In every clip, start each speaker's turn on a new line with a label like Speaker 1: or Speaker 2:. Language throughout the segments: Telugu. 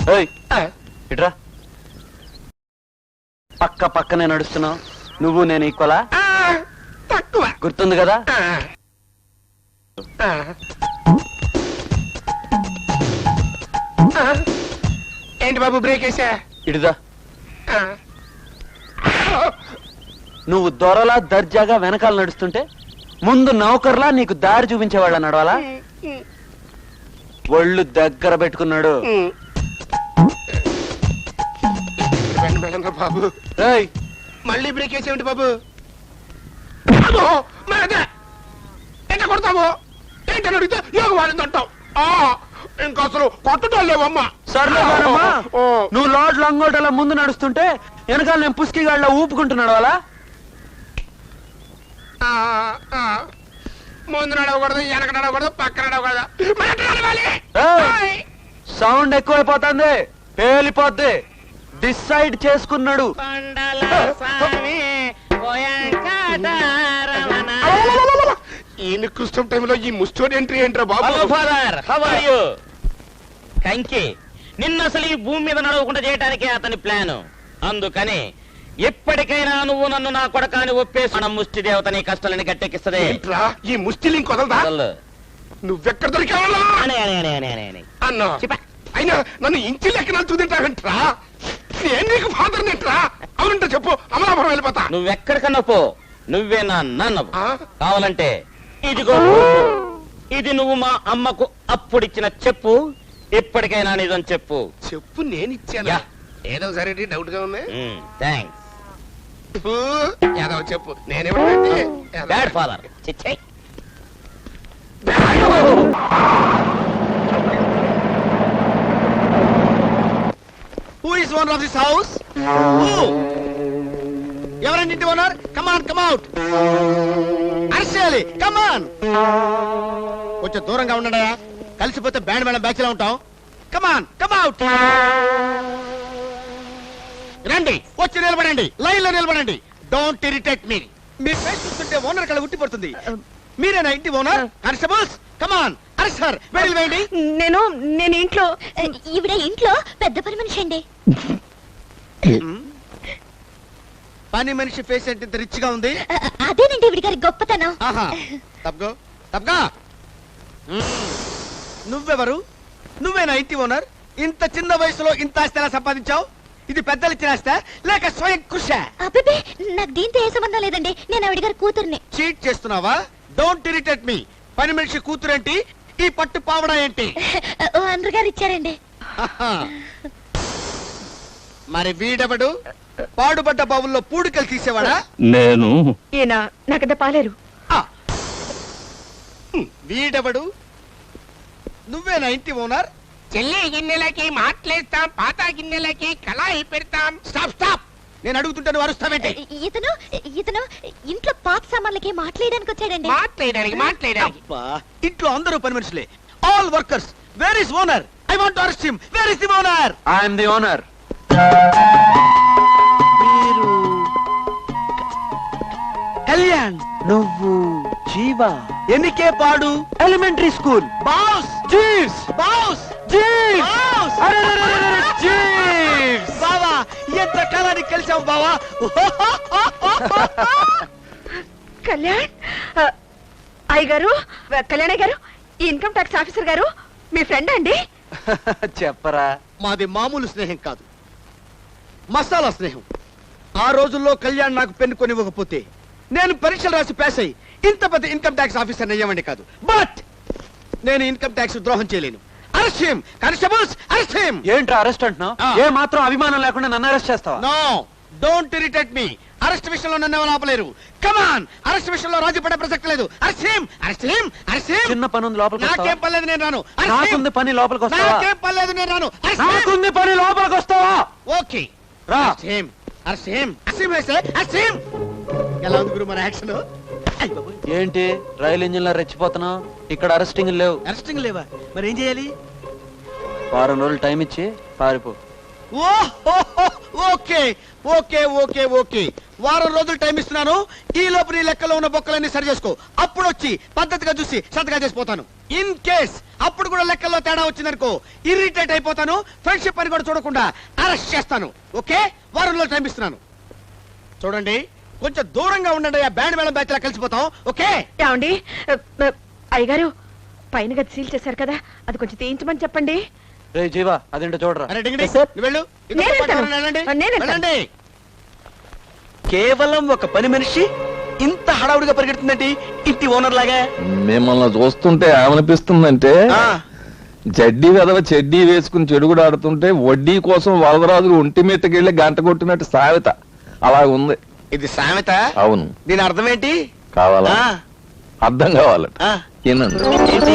Speaker 1: ఇట్రా. పక్క పక్కనే నడుస్తున్నావు, నువ్వు నేను ఈక్వలా?
Speaker 2: తక్కువ.
Speaker 1: గుర్తుంది కదా?
Speaker 2: ఏంటి బాబు బ్రేక్ వేసా?
Speaker 1: ఇడుదా. నువ్వు దొరలా దర్జాగా వెనకాల నడుస్తుంటే ముందు నౌకర్లా నీకు దారి చూపించేవాళ్ళ నడవాలా? ఒళ్ళు దగ్గర పెట్టుకున్నాడు.
Speaker 2: బాబు మళ్ళీ బ్రేక్ వేసేమిటి బాబు? ఎంత కొడతావు? ఏంటని అడిగితే యోగ వాళ్ళని అంటావు. ఇంకా అసలు కొట్టడం లేవమ్మా.
Speaker 1: సర్లే నువ్వు లోడ్ లంగోటలా ముందు నడుస్తుంటే వెనకాల నేను పుస్కిగాళ్ళ ఊపుకుంటున్నాడు అలా.
Speaker 2: ముందు నడవకూడదు, వెనక నడవకూడదు, పక్కన నడవకూడదు.
Speaker 1: సౌండ్ ఎక్కువైపోతుంది, పేలిపోద్ది. డిసైడ్ చేసుకున్నాడు.
Speaker 2: ఈయన కృష్ణ టైంలో ఈ ముస్టోడ్ ఎంట్రీ ఏంట్రా బాబు?
Speaker 3: కంకి నిన్న అసలు ఈ భూమి మీద నడవకుండా చేయడానికే అతని ప్లాన్. అందుకని ఎప్పటికైనా నువ్వు నన్ను నా కొడకాని ఒప్పేసి మన ముష్టి దేవత నీ కష్టాలని గట్టెక్కిస్తదే.
Speaker 2: ఈ ముష్టి లింక్ వదలదా? నువ్వెక్కడ దొరికావా అన్నా? అయినా నన్ను ఇంటి లెక్క నడుచుకుంటావంట్రా. నేను నీకు ఫాదర్ నెట్రా. అవునంటే చెప్పు, అమలాపురం వెళ్ళిపోతా.
Speaker 3: నువ్వెక్కడికన్నా పో, నువ్వే నా నాన్న. కావాలంటే ఇదిగో, ఇది నువ్వు మా అమ్మకు అప్పుడిచ్చిన చెప్పు. ఇప్పటికైనా నిజం చెప్పు.
Speaker 2: చెప్పు, నేను ఇచ్చాను. ఏదో సరే డౌట్ గా ఉంది.
Speaker 3: థ్యాంక్స్.
Speaker 2: ఏదో చెప్పు, నేనేమంటే
Speaker 3: బ్యాడ్ ఫాదర్. చిచ్చై.
Speaker 4: Who is owner of this house? Who? ఎవరండి ఇంటి owner? Come on, come out. Arshali, come on. కొంచెం దూరంగా ఉండడా, కలిసిపోతే బ్యాండ్ మేళం బ్యాచ్ లా ఉంటాం. Come on, come out. రండి, వచ్చి నిలబడండి, లైన్ లో నిలబడండి. Don't irritate me. మీ ఫేస్ చూస్తుంటే ఓనర్ కళ ఉట్టి పడుతుంది. మీరేనా ఇంటి ఓనర్? Constables, come on. అరెస్టర్, వెడిల్ వేయండి.
Speaker 5: నేను ఇంట్లో. ఈవిడ ఇంట్లో పెద్ద పని మనిషి అండి.
Speaker 4: పని మనిషి ఫేస్ అంటే ఇంత రిచ్ గా ఉంది.
Speaker 5: అదేనండి ఈవిడ గారి గొప్పతనం.
Speaker 4: తప్పగా తప్పగా. నువ్వెవరు? నువ్వేనా ఇంటి ఓనర్? ఇంత చిన్న వయసులో ఇంత ఆస్తి ఎలా సంపాదించావు? ఇది పెద్దలు ఇచ్చిన ఆస్తి లేక స్వయం కృషి?
Speaker 5: అబ్బే, నాకు దీంతో ఏ సంబంధం లేదండి. నేను ఆవిడ గారి కూతుర్ని.
Speaker 4: చీట్ చేస్తున్నావా? Don't irritate me. పని మనిషి కూతురేంటి, ఈ పట్టు పావడా ఏంటి?
Speaker 5: అందరు గారు ఇచ్చారండి.
Speaker 4: మరి వీడెవడు? పాడుబడ్డ బావుల్లో పూడికలు తీసేవాడా?
Speaker 1: నేను.
Speaker 5: ఈయన నాకద పాలేరు.
Speaker 4: వీడెవడు? నువ్వేనా ఇంటి ఓనర్?
Speaker 2: చెల్లి గిన్నెలకి మాట్లేస్తాం, పాత గిన్నెలకి కళాయి పెడతాం.
Speaker 4: Stop stop. నేను అడుగుతుంటే నువ్వు అరుస్తావేంటి?
Speaker 5: ఇతను ఇంట్లో పాత సామాన్లకి మాట్లాడడానికి వచ్చాడండి.
Speaker 2: మాట్లాడడానికి.
Speaker 4: ఇంట్లో అందరూ పని మనుషులే, all workers. Where is owner? I want to arrest him. Where is the owner?
Speaker 1: I am the owner.
Speaker 4: Kalyan.
Speaker 1: నువ్వు జీవా.
Speaker 4: ఎన్నికే పాడు?
Speaker 1: Elementary school.
Speaker 4: Boss.
Speaker 1: Jeeves.
Speaker 4: Boss.
Speaker 1: Jeeves. Jeeves.
Speaker 4: బావా, ఎంత కాలానికి కలిసావు బావా.
Speaker 5: కళ్యాణ్ అయ్యగారు, కళ్యాణ్ గారు, ఈ ఇన్కమ్ ట్యాక్స్ ఆఫీసర్ గారు మీ ఫ్రెండ్ అండి?
Speaker 1: చెప్పరా.
Speaker 4: మాది మామూలు స్నేహం కాదు, మసాలా స్నేహం. ఆ రోజుల్లో కళ్యాణ్ నాకు పెన్ను కొనివ్వకపోతే నేను పరీక్షలు రాసి పాస్ అయ్యి ఇంత పెద్ద ఇన్కమ్ ట్యాక్స్ ఆఫీసర్ అయ్యామండి కాదు. బట్ నేను ఇన్కమ్ ట్యాక్స్ ద్రోహం చేయలేను. Arrest him. Constables, arrest him.
Speaker 1: ఏంట్రా అరెస్ట్ అంటున్నావు? ఏ మాత్రం అభిమానం లేకుండా నన్ను అరెస్ట్ చేస్తావా?
Speaker 4: No, don't irritate me. Arrest విషయంలో నన్ను ఎవరు ఆపలేరు. Come on. అరెస్ట్ విషయంలో రాజీ పడే ప్రసక్తి లేదు. Arrest him. Arrest him. Arrest him.
Speaker 1: చిన్న పని ఉంది, లోపలికి వస్తావా?
Speaker 4: నాకేం పర్లేదు, నేను రాను.
Speaker 1: నాకుంది పని, లోపలికి వస్తావా?
Speaker 4: నాకేం పర్లేదు, నేను రాను.
Speaker 1: నాకుంది పని, లోపలికి వస్తావా?
Speaker 4: ఓకే
Speaker 1: రా.
Speaker 4: Arrest him. Arrest him. Arrest him. ఎలా ఉంది గురు మన యాక్షన్?
Speaker 1: ఏంటి రైలు ఇంజిన్ లో రెచ్చిపోతున్నావు? ఇక్కడ అరెస్టింగ్ లేవు.
Speaker 4: అరెస్టింగ్ లేవా? మరి ఏం చేయాలి?
Speaker 1: వారం రోజులు టైం ఇచ్చి పారిపో.
Speaker 4: ఓకే ఓకే ఓకే ఓకే వారం రోజులు టైం ఇస్తున్నాను. ఈ లోపు నీ లెక్కలో ఉన్న బొక్కలన్నీ సరి చేసుకో. అప్పుడు వచ్చి పద్ధతిగా చూసి సంతకాలు చేసిపోతాను. ఇన్ కేస్ అప్పుడు కూడా లెక్కల్లో తేడా వచ్చిందనుకో, ఇరిటేట్ అయిపోతాను. ఫ్రెండ్షిప్ అని కూడా చూడకుండా అరెస్ట్ చేస్తాను. ఓకే, వారం రోజులు టైం ఇస్తున్నాను. చూడండి, కొంచెం దూరంగా ఉండండి. ఆ బ్యాండ్ మేళం బ్యాచ్ లా కలిసిపోతాం. ఓకే?
Speaker 5: ఏమండి అయ్యగారు, పైన గది సీల్ చేశారు కదా, అది కొంచెం తీయించమని చెప్పండి.
Speaker 1: రే జీవా, అదేంటో చూడరా.
Speaker 4: అరే డింగిడి, నువ్వు వెళ్ళు. ఇంకొక
Speaker 5: నేను
Speaker 4: పాట
Speaker 5: వెళ్తాను.
Speaker 4: ఎవరైనా వెళ్ళండి.
Speaker 5: నేను వెళ్తాను.
Speaker 4: వెళ్ళండి. కేవలం ఒక పని మనిషి ఇంత హడావుడిగా పరిగెడుతుందండి, ఇంటి ఓనర్ లాగా.
Speaker 6: మిమ్మల్ని చూస్తుంటే ఏమనిపిస్తుందంటే జడ్డీ వెదవ చెడ్డీ వేసుకుని చెడుగుడు ఆడుతుంటే వడ్డీ కోసం వరదరాజులు ఒంటి మీదకెళ్ళి గంట కొట్టినట్టు సామెత అలా ఉంది.
Speaker 4: ఇది సామెత?
Speaker 6: అవును.
Speaker 4: దీని అర్థం ఏంటి?
Speaker 6: కావాలా?
Speaker 4: ఆ,
Speaker 6: అర్థం కావాలట.
Speaker 4: ఆ.
Speaker 6: వినండి.
Speaker 4: ఏంటి?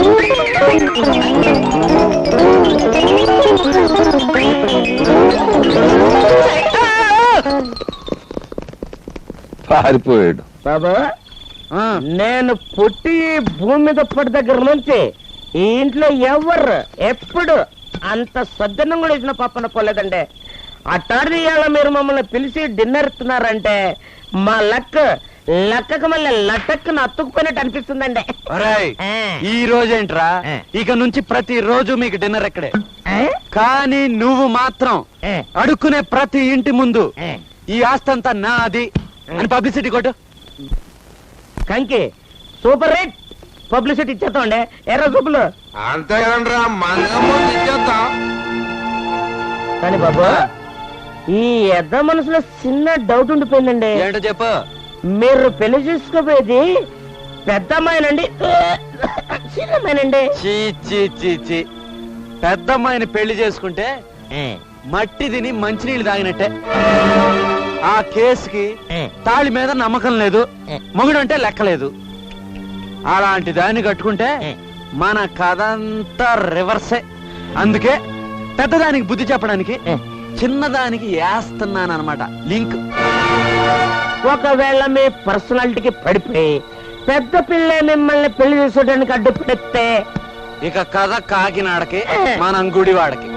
Speaker 6: పారిపోయాడు.
Speaker 3: బాబా, నేను పుట్టి ఈ భూమి మీద పడి దగ్గర నుంచి ఈ ఇంట్లో ఎవరు ఎప్పుడు అంత సద్దన్నం కూడా ఇచ్చిన పప్పన పోలేదండి. అట్టాడి ఇవాళ మీరు మమ్మల్ని పిలిచి డిన్నర్ ఇస్తున్నారంటే మా లక్కకు మళ్ళీ లటక్కున అతుక్కుపోయినట్టు అనిపిస్తుందండి.
Speaker 1: ఒరేయ్,
Speaker 3: ఆ.
Speaker 1: ఈ రోజేంట్రా,
Speaker 3: ఆ.
Speaker 1: ఇక నుంచి ప్రతి రోజు మీకు డిన్నర్ ఎక్కడే.
Speaker 3: ఆ?
Speaker 1: కానీ నువ్వు మాత్రం
Speaker 3: ఆ.
Speaker 1: అడుక్కునే ప్రతి ఇంటి ముందు
Speaker 3: ఆ.
Speaker 1: ఈ ఆస్తంతా నాది అని పబ్లిసిటీ కొట్టు.
Speaker 3: కంకి సూపర్ రేట్ పబ్లిసిటీ ఇచ్చేస్తామండి. ఎర్ర సూపులు
Speaker 2: అంతే కదండ్రా, మంగమ్మ ఇచ్చేద్దాం.
Speaker 3: కానీ బాబు, ఈ ఎద్ద మనసులో చిన్న డౌట్ ఉండిపోయిందండి.
Speaker 1: ఏంటో చెప్పు.
Speaker 3: మీరు పెళ్లి చేసుకోపోయేది పెద్ద అమ్మాయినండి చిన్న అమ్మాయినండి?
Speaker 1: చీ చీ చీ చీ, పెద్దమ్మాయిని పెళ్లి చేసుకుంటే మట్టి తిని మంచినీళ్ళు తాగినట్టే. ఆ కేసుకి తాళి మీద నమ్మకం లేదు, మొగుడంటే లెక్కలేదు. అలాంటి దాన్ని కట్టుకుంటే మన కథ అంతా రివర్సే. అందుకే పెద్దదానికి బుద్ధి చెప్పడానికి చిన్నదానికి వేస్తున్నానమాట లింక్.
Speaker 3: ఒకవేళ మీ పర్సనాలిటీకి పడిపోయి పెద్ద పిల్ల మిమ్మల్ని పెళ్లి చేసుకోవడానికి అడ్డుపడితే
Speaker 1: ఇక కథ కాకినాడకి, మనం గుడివాడకి.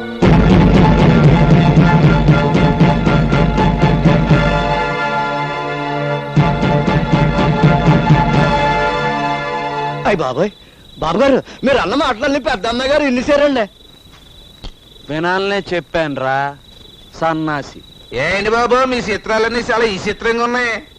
Speaker 4: అయ్య బాబాయ్, బాబు గారు మీరు అన్న మాటలన్నీ పెద్ద అమ్మాయి గారు ఇన్నిసారండి.
Speaker 1: వినాలనే చెప్పాను రా సన్నాసి.
Speaker 2: ఏంటి బాబు, మీ చిత్రాలన్నీ చాలా ఈ చిత్రంగా ఉన్నాయి.